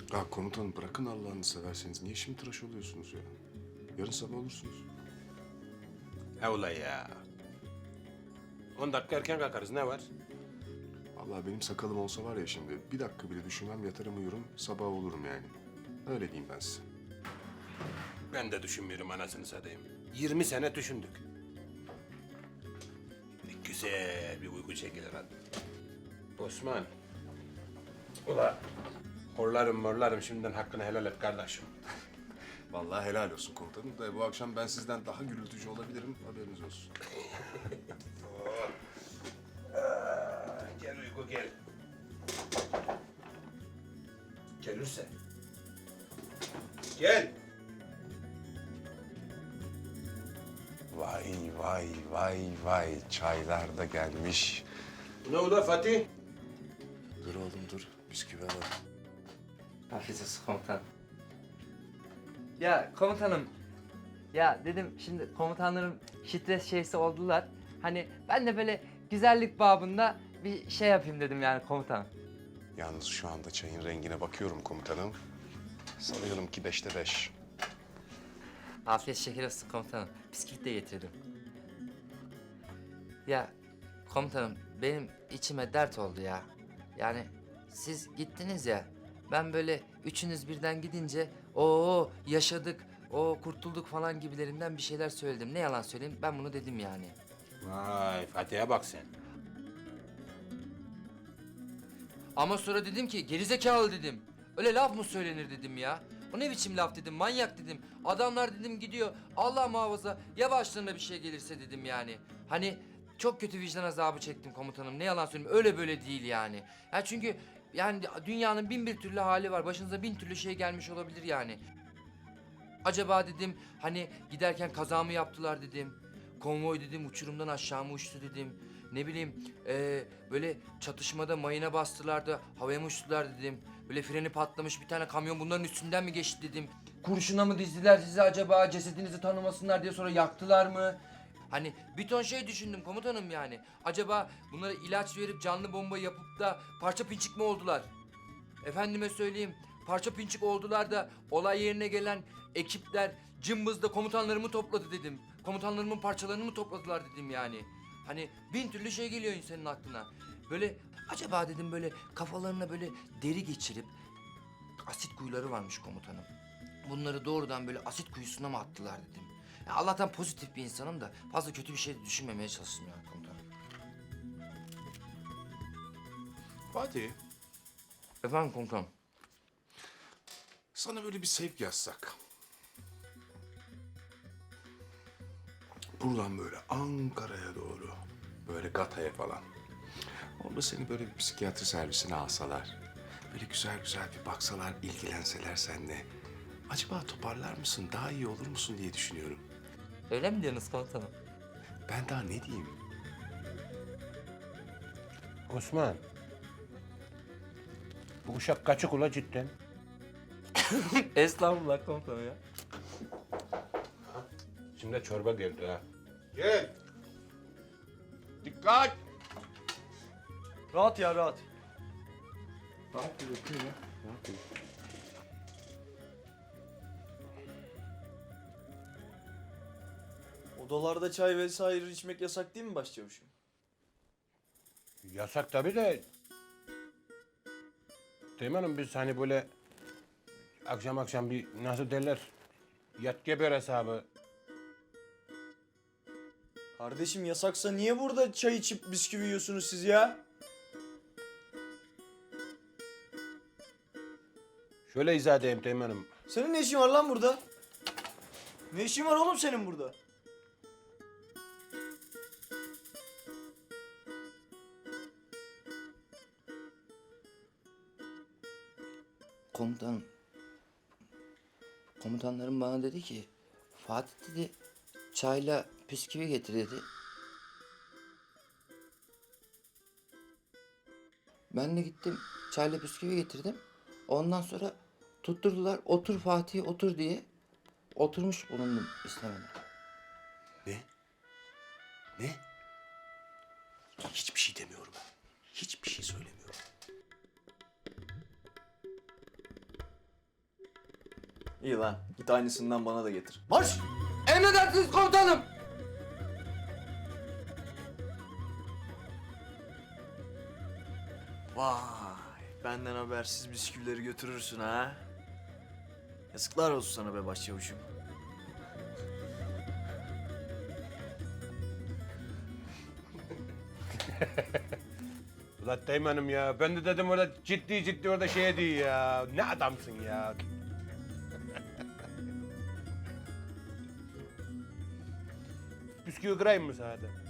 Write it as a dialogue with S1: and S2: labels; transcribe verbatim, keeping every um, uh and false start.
S1: Ya komutanım bırakın Allah'ını severseniz. Niye şimdi tıraş oluyorsunuz ya? Yarın sabah olursunuz.
S2: He ula ya. On dakika erken kalkarız, ne var?
S1: Vallahi benim sakalım olsa var ya şimdi bir dakika bile düşünmem yatarım uyurum sabah olurum yani. Öyle diyeyim ben size.
S2: Ben de düşünmüyorum anasını satayım. Yirmi sene düşündük. Bir güzel bir uyku çekilir hadi. Osman. Ula horlarım morlarım şimdiden hakkını helal et kardeşim.
S1: Vallahi helal olsun komutanım da bu akşam ben sizden daha gürültücü olabilirim haberiniz olsun.
S2: Gel uyku gel. Gelirse. Gel.
S1: Vay vay vay vay çaylar da gelmiş.
S2: Ne ula Fatih?
S1: Dur oğlum dur bisküvi alalım.
S3: Afiyet olsun komutan. Ya komutanım, ya dedim şimdi komutanlarım stres şeysi oldular. Hani ben de böyle güzellik babında bir şey yapayım dedim yani komutanım.
S1: Yalnız şu anda çayın rengine bakıyorum komutanım. Sanıyorum ki beşte beş.
S3: Afiyet şeker olsun komutanım. Bisküvit de getirdim. Ya komutanım benim içime dert oldu ya. Yani siz gittiniz ya. Ben böyle üçünüz birden gidince o yaşadık, o kurtulduk falan gibilerinden bir şeyler söyledim. Ne yalan söyleyeyim ben bunu dedim yani.
S2: Vay Fatih'e bak sen.
S3: Ama sonra dedim ki gerizekalı dedim. Öyle laf mı söylenir dedim ya. O ne biçim laf dedim, manyak dedim. Adamlar dedim gidiyor, Allah muhafaza ya başlarına bir şey gelirse dedim yani. Hani çok kötü vicdan azabı çektim komutanım. Ne yalan söyleyeyim öyle böyle değil yani. Ya çünkü yani dünyanın bin bir türlü hali var. Başınıza bin türlü şey gelmiş olabilir yani. Acaba dedim hani giderken kaza mı yaptılar dedim. Konvoy dedim uçurumdan aşağı mı uçtu dedim. Ne bileyim eee, böyle çatışmada mayına bastılar da havaya mı uçtular dedim. Böyle freni patlamış bir tane kamyon bunların üstünden mi geçti dedim. Kurşuna mı dizdiler sizi acaba cesedinizi tanımasınlar diye sonra yaktılar mı? Hani bir ton şey düşündüm komutanım yani. Acaba bunlara ilaç verip canlı bomba yapıp da parça pinçik mi oldular? Efendime söyleyeyim parça pinçik oldular da olay yerine gelen ekipler cımbızda komutanlarımı topladı dedim. Komutanlarımın parçalarını mı topladılar dedim yani. Hani bin türlü şey geliyor insanın aklına. Böyle acaba dedim böyle kafalarına böyle deri geçirip asit kuyuları varmış komutanım. Bunları doğrudan böyle asit kuyusuna mı attılar dedim. Ya Allah'tan pozitif bir insanım da fazla kötü bir şey de düşünmemeye çalıştım yani komutanım.
S1: Fatih,
S3: Efendim komutanım.
S1: sana böyle bir sevk yazsak. Buradan böyle Ankara'ya doğru, böyle Gata'ya falan. Orada seni böyle bir psikiyatri servisine alsalar. Böyle güzel güzel bir baksalar, ilgilenseler seninle. Acaba toparlar mısın, daha iyi olur musun diye düşünüyorum.
S3: Öyle mi diyorsunuz komutanım?
S1: Ben daha ne diyeyim?
S2: Osman. Bu uşak kaçık ula cidden.
S3: Estağfurullah komutanım ya.
S2: Şimdi çorba geldi ha. Gel. Dikkat.
S4: Rahat ya rahat. Odalarda çay vesaire içmek yasak değil mi başçavuşum?
S2: Yasak tabii de. Teğmenim biz hani böyle akşam akşam bir nasıl derler yat geber hesabı.
S4: Kardeşim yasaksa niye burada çay içip bisküvi yiyorsunuz siz ya?
S2: Şöyle izah edeyim Teğmenim.
S4: Senin ne işin var lan burada? Ne işin var oğlum senin burada?
S3: Komutanım. Komutanlarım bana dedi ki Fatih dedi çayla bisküvi getir dedi. Ben de gittim çayla bisküvi getirdim. Ondan sonra tutturdular otur Fatih otur diye. Oturmuş bulundum istemeden.
S1: Ne? Ne? Hiçbir şey demiyorum. Hiçbir şey söylemiyorum.
S4: İyi lan. Git aynısından bana da getir. Marş!
S3: Emredersiniz komutanım.
S4: Vay. Benden habersiz bisküvileri götürürsün ha. Yazıklar olsun sana be başçavuşum.
S2: Ulan Teğmen'im ya. Ben de dedim orada ciddi ciddi orada şey diyor ya. Ne adamsın ya. Bisküvi kırayım mı sana da?